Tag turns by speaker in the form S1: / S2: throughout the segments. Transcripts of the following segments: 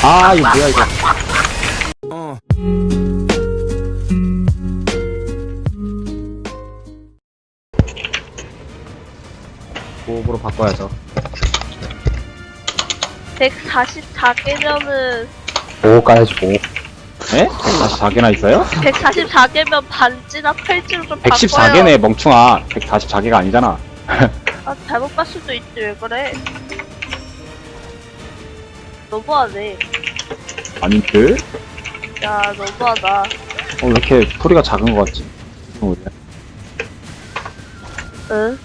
S1: 아, 이거 뭐야, 이거. 고업으로 바꿔야죠.
S2: 144개면은
S1: 오 까야지, 오. 에? 144개나 있어요?
S2: 144개면 반지나 팔찌로 좀 바꿔요.
S1: 114개네, 멍충아. 144개가 아니잖아.
S2: 아, 잘못 봤을 수도 있지. 왜 그래? 너무하네.
S1: 아닌데?
S2: 야, 너무하다.
S1: 왜 이렇게 소리가 작은 것 같지?
S2: 응?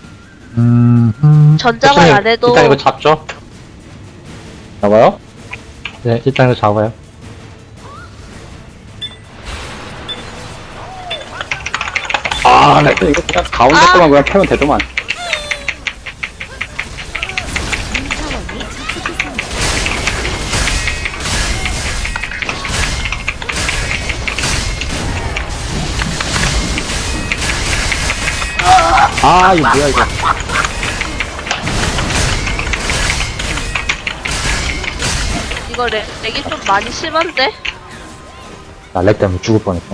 S2: 전자말 안 해도
S3: 일단 이거 잡죠?
S1: 잡아요?
S3: 네, 일단 이거 잡아요.
S1: 아, 나 이거 그냥 가운데 거만 그냥 패면 되더만. 아, 이거 뭐야, 이거.
S2: 이거 렉이 좀 많이 심한데?
S3: 나 렉 때문에 죽을 뻔했어.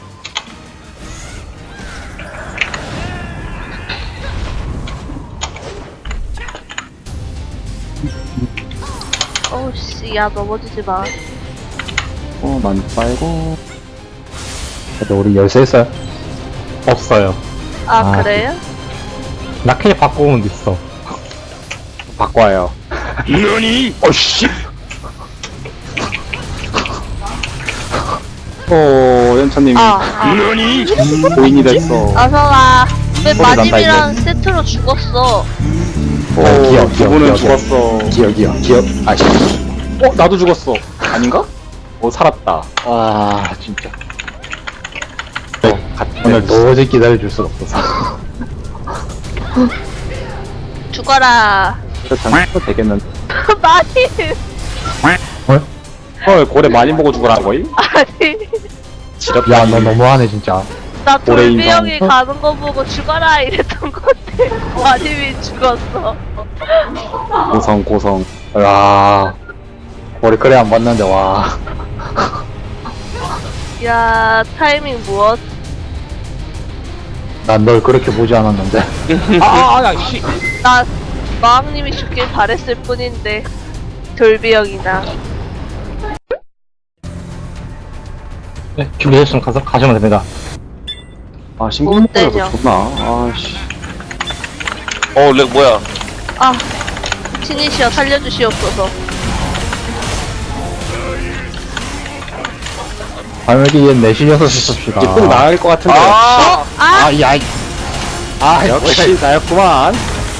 S2: 어우씨, 야, 넘어지지 마.
S1: 많이 빨고.
S3: 근데 우리 열쇠 있어요? 없어요.
S2: 아, 그래요?
S3: 라켓 바꾸면 있어.
S1: 바꿔요. 너니? 어씨. 연차님. 너니? 고인이 됐어.
S2: 아서가 왜
S1: 소리 난다,
S2: 마님이랑 세트로 죽었어?
S3: 기억,
S1: 두
S3: 기억,
S1: 분은
S3: 기억.
S1: 죽었어.
S3: 기억. 아씨.
S1: 나도 죽었어. 아닌가? 살았다. 아, 진짜.
S3: 오늘 도저히 기다려줄 수가 없어서.
S2: 죽어라.
S1: 장난도 되겠는데.
S2: 마님.
S1: 고래 많이 보고 죽으라는 거임?
S2: 아니.
S1: 지렸다.
S3: 야, 너 너무하네, 진짜.
S2: 나
S1: 올해
S2: 돌비
S1: 인성.
S2: 형이 가는 거 보고 죽어라 이랬던 건데 마님이 죽었어.
S1: 고성.
S3: 와. 우리 그래 안 봤는데, 와.
S2: 야, 타이밍 무엇?
S3: 난 널 그렇게 보지 않았는데.
S1: 야, 씨.
S2: 나 마왕님이 죽길 바랬을 뿐인데 돌비 형이나.
S3: 네, 준비됐으면 가시면 됩니다.
S1: 신고
S2: 못 때려.
S1: 먹고라도 좋나? 씨.
S4: 렉 뭐야?
S2: 아, 신이시여 살려주시옵소서.
S3: 발매기엔 내실려서 쓰십시다.
S1: 이제 꼭 나을 것 같은데. 역시 나였구만.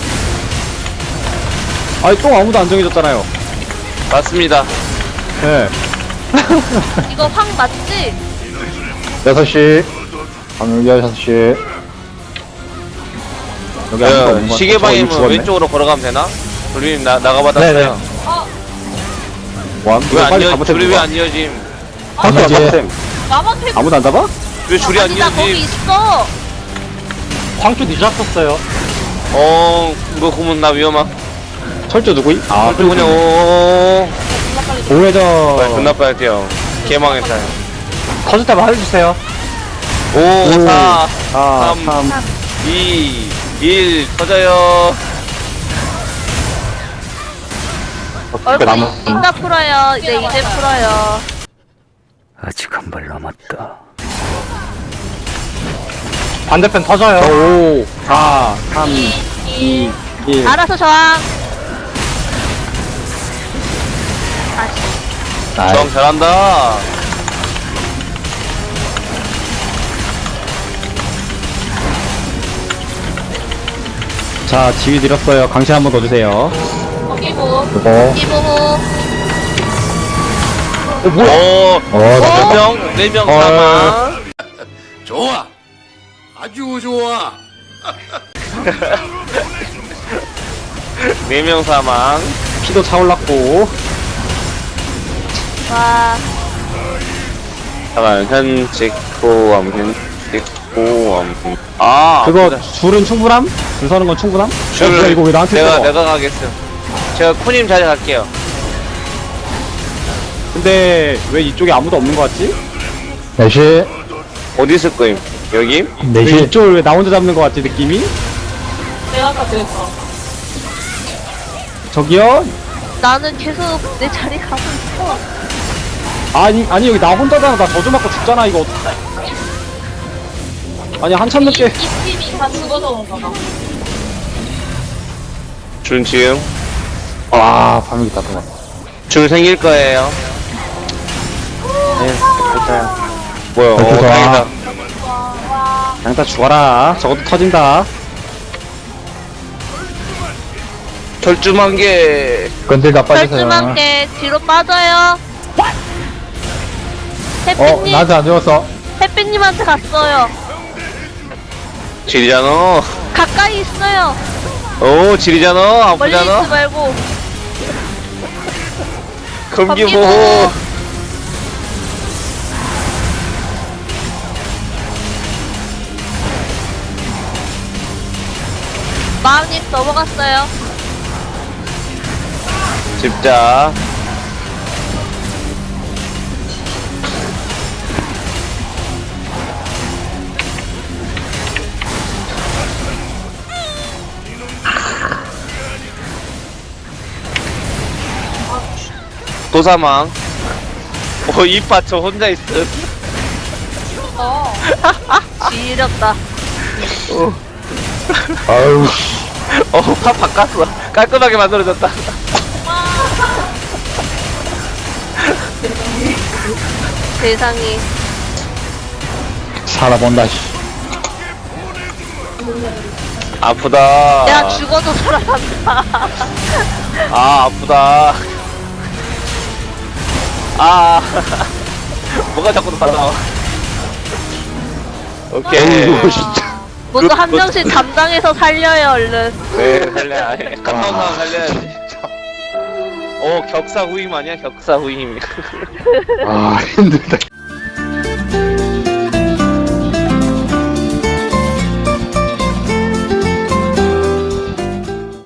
S1: 똥 아무도 안 정해줬잖아요.
S4: 맞습니다.
S1: 네.
S2: 이거 황 맞지?
S3: 6시. 발매기 6시.
S1: 여기 아무도 없는 것 같아.
S4: 시계
S1: 저 이미
S4: 방향은
S1: 죽었네.
S4: 왼쪽으로 걸어가면 되나? 돌림 나가받았어요.
S3: 네네.
S4: 왜 안
S1: 빨리
S4: 이어?
S1: 잘못해.
S4: 줄이 왜 안 이어짐?
S3: 발매기.
S2: 마법
S1: 아무도 안 잡아?
S4: 왜 줄이 안
S2: 아니다 거기
S4: 이어짐?
S2: 있어.
S3: 광주 늦었었어요.
S4: 이거 고문 나 위험함.
S1: 철저 누구이?
S4: 그리고 그냥
S1: 오해전.
S4: 존나 빨리 뛰어. 개망했다.
S3: 커질 때만 알려주세요.
S4: 5, 4,
S1: 3.
S4: 2, 1 터져요.
S2: 얼굴 이따 풀어요. 이제 풀어요.
S5: 아직 한 발 남았다.
S3: 반대편 터져요.
S1: 5, 4, 3, 2, 1.
S2: 알아서 저항. 아씨.
S4: 정 잘한다.
S1: 자, 지휘 드렸어요. 강신 한번 더 주세요.
S2: 거기고.
S3: 이거.
S2: 이보호.
S3: 어,
S4: 4명 사망.
S5: 좋아. 아주 좋아.
S4: 4명 사망.
S1: 피도 차올랐고.
S2: 와.
S4: 잠깐, 현직 보험.
S1: 그거
S4: 그다.
S1: 줄은 충분함? 줄 서는 건 충분함? 뭐야, 이거 왜 나한테
S4: 내가
S1: 떠?
S4: 가겠어. 제가 코님 자리 갈게요.
S1: 근데 왜 이쪽에 아무도 없는 거 같지?
S3: 4시,
S4: 어디 있을 거임? 여기?
S1: 왜
S3: 4시.
S1: 이쪽을 왜 나 혼자 잡는 거 같지 느낌이?
S2: 내가 아까 그랬어.
S1: 저기요?
S2: 나는 계속 내 자리 가고 있어.
S1: 아니 여기 나 혼자잖아. 나 저주 맞고 죽잖아 이거. 아니 한참 늦게.
S2: 이 팀이 다 죽어서 온가 봐.
S4: 준 지금
S3: 와, 밤이 다 도망.
S4: 줄 생길 거예요.
S1: 네, 됐어요.
S4: 뭐야?
S3: 아, 좋다.
S4: 다행이다.
S1: 그냥 다 죽어라. 저것도 터진다.
S4: 절주만 개.
S3: 건들다 빠지세요.
S2: 절주만게 뒤로 빠져요. 햇빛님,
S3: 나한테 안 죽었어.
S2: 햇빛님한테 갔어요.
S4: 지리잖아.
S2: 가까이 있어요.
S4: 오, 지리잖아.
S2: 멀리
S4: 아프잖아.
S2: 있지 말고.
S4: 검기
S2: 검기
S4: 보호.
S2: 보호. 마음님 넘어갔어요.
S4: 집자. 도사망. 오, 이파 저 혼자 있음.
S2: 지렸다.
S3: 아유, 씨.
S4: 파 바꿨어. 깔끔하게 만들어졌다.
S2: 세상에.
S3: 살아본다, 씨.
S4: 아프다.
S2: 내가 죽어도 살아간다.
S4: 아, 아프다. 아, 뭐가 자꾸 나와. 오케이.
S3: 어이구, 진짜.
S2: 모두 한 명씩 담당해서 살려요, 얼른.
S4: 네, 살려야 해. 갔다 온 사람 살려야지. 오, 격사 후임 아니야? 격사 후임.
S3: 아, 힘들다.